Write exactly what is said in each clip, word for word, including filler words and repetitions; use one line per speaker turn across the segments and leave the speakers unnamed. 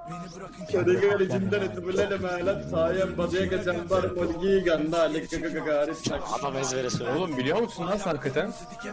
Kodiga içinden etibirlerle meğlen sayen badaya geçen var polgi ganda lekakakakari sak.
Adam ezbere söylüyor.
Oğlum biliyor musun lan sen hakikaten?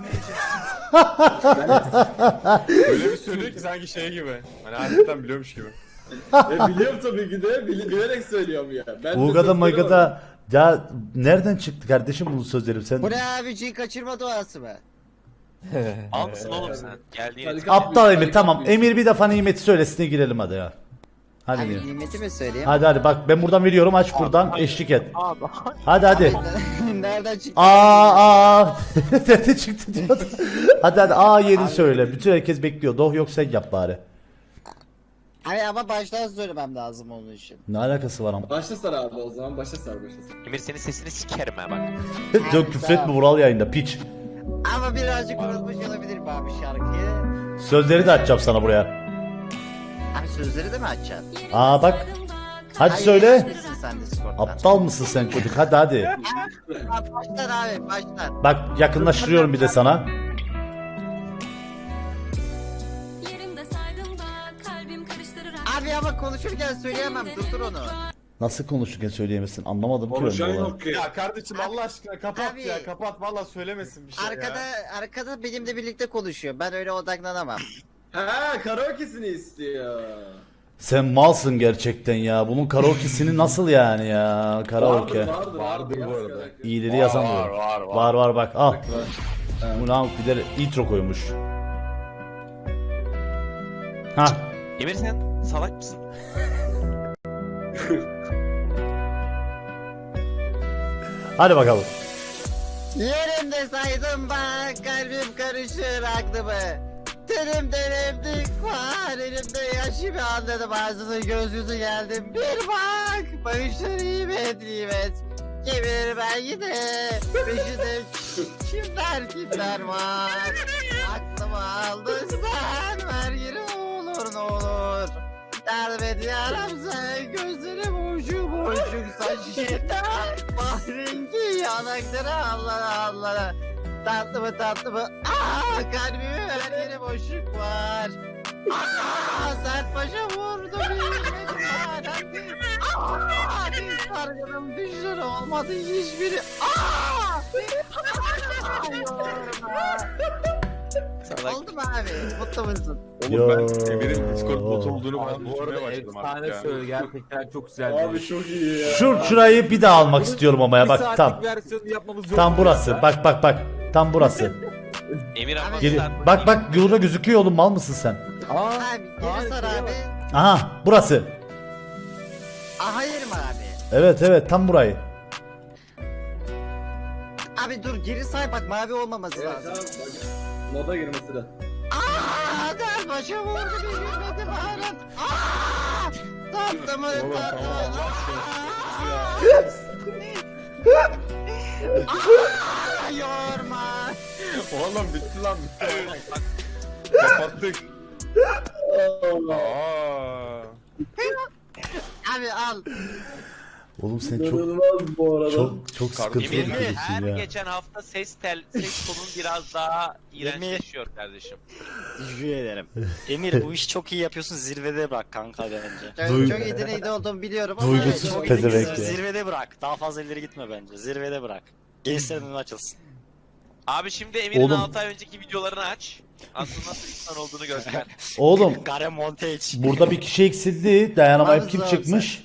Öyle bir söylüyor ki sanki şey gibi. Hani hakikaten biliyormuş gibi.
E biliyorum tabii ki de bil- bilerek söylüyorum ya. Ben de
Ulgada
sözleri
Maygada
var.
ya nereden çıktı kardeşim bu sözlerim sen?
Bu ne abiciyi kaçırma doğası mı?
Al mısın oğlum sen? Geldiğin
Tarikat
Aptal
yapıyoruz,
Emir tamam.
tarikat
Emir bir defa nimeti söylesine girelim hadi ya. Hadi
Abi
diyor.
nimeti mi söyleyeyim?
Hadi hadi bak ben buradan veriyorum aç buradan eşlik et. Hadi hadi.
Nereden çıktı?
Aa aa. Nerede çıktı diyordu. Hadi hadi aa yeni söyle. Bütün herkes bekliyor. Doh yok sen yap bari.
Hayır ama baştan söylemem lazım onun için.
Ne alakası var ama.
Başla sar abi o zaman başla sar başla sar.
Emir senin sesini sikerim ha bak.
Çok küfretme Vural yayında piç.
Ama birazcık unutmuş olabilirim abi şarkıyı.
Sözleri de açacağım sana buraya.
Abi sözleri de mi açacaksın?
Aa bak. Hadi
Hayır,
söyle.
yetişmişsin sen Discord'dan.
Aptal mısın sen çocuk? Hadi hadi.
Ha, Baştan abi baştan.
Bak yakınlaştırıyorum bir de sana.
Yerimde saydım da kalbim karıştırır.
Abi ama konuşurken söyleyemem durdur onu.
Nasıl konuşurken söyleyemezsin anlamadım ki
Konuşan
ben bu
yok ki.
Ya kardeşim Allah aşkına kapat
Abi-
ya kapat valla söylemesin bir şey
Arkada
ya.
arkada benimle birlikte konuşuyor. Ben öyle odaklanamam.
Ha karaoke'sini istiyor.
Sen malsın gerçekten ya. Bunun karaoke'sini nasıl yani ya? Karaoke.
Vardır vardır.
Vardır
abi,
bu
yaz
arada.
karaoke.
İyileri
Var,
yazamıyorum.
var, var, var.
Var var bak al.
Var.
Bu ne bir de intro koymuş. Ha.
Emir sen salak mısın?
Hadi bakalım.
Yerimde saydım bak kalbim karışır aklımı. Tenimden emdik var elimde yaşımı anladım ağzını göz yüzü geldim. Bir bak bakışlar nimet nimet. Kemirir ben yine peşinde kimler kimler var. Aklımı aldın sen ver yine olur ne olur. Yardım et yaram sen gözlerim ucu boşluk saçında. Bahrengi yanakları allana allana. Tatlı mı tatlı mı? Aaa kalbimi her yere boşluk var. Aaa sert başa vurdu bilmedim madem. Aaa sargınım düşür olmadı hiçbiri. Aaa.
Salak.
Oldu mu abi? Mutlu musun?
Oğlum ben Emir'in Discord bot olduğunu falan
Abi bu arada
düşünmeye başladım artık
efsane
ya.
söylüyor gerçekten çok güzel.
Abi çok iyi ya.
Şu şurayı bir daha almak istiyorum ama ya bak tam.
versiyonu yapmamız yok.
Tam
mu
burası.
ya?
Bak bak bak. Tam burası.
Emir ama
Geri,
sen-
bak bak burada gözüküyor oğlum mal mısın sen?
Aa,
Abi geri sar abi.
Aha burası.
Aa, hayır mı abi?
Evet evet tam burayı.
Abi dur geri say bak mavi olmaması
Evet
lazım.
tamam bak. Moda girmesi de.
Aaa der başa vurdu bir gülmedi bağıran. Aaa tatlı mı
Oğlum,
tatlı mı?
tamam,
Aaa yorma.
Oğlum bitti lan bitti. Kapattık. Aa.
Abi al.
Oğlum sen çok
İnanılmaz bu arada.
çok çok sıkıntılı bir
Emir her
çocuksun ya.
geçen hafta ses tel ses tonun biraz daha iğrençleşiyor kardeşim.
Teşekkür ederim. Emir bu işi çok iyi yapıyorsun, zirvede bırak kanka bence.
Çok,
Duy-
çok yetenekli olduğumu biliyorum ama
Duygusuz
evet, çok
pezevenk
yetenekli.
ya.
Zirvede bırak. Daha fazla ileri gitme bence. Zirvede bırak. Gençlerin önü açılsın.
Abi şimdi Emir'in
Oğlum.
altı ay önceki videolarını aç. Aslında nasıl insan olduğunu göster.
Oğlum
Gare Montage.
burada bir kişi eksildi. Dayanamayıp
Yalnız
kim
lazım.
çıkmış?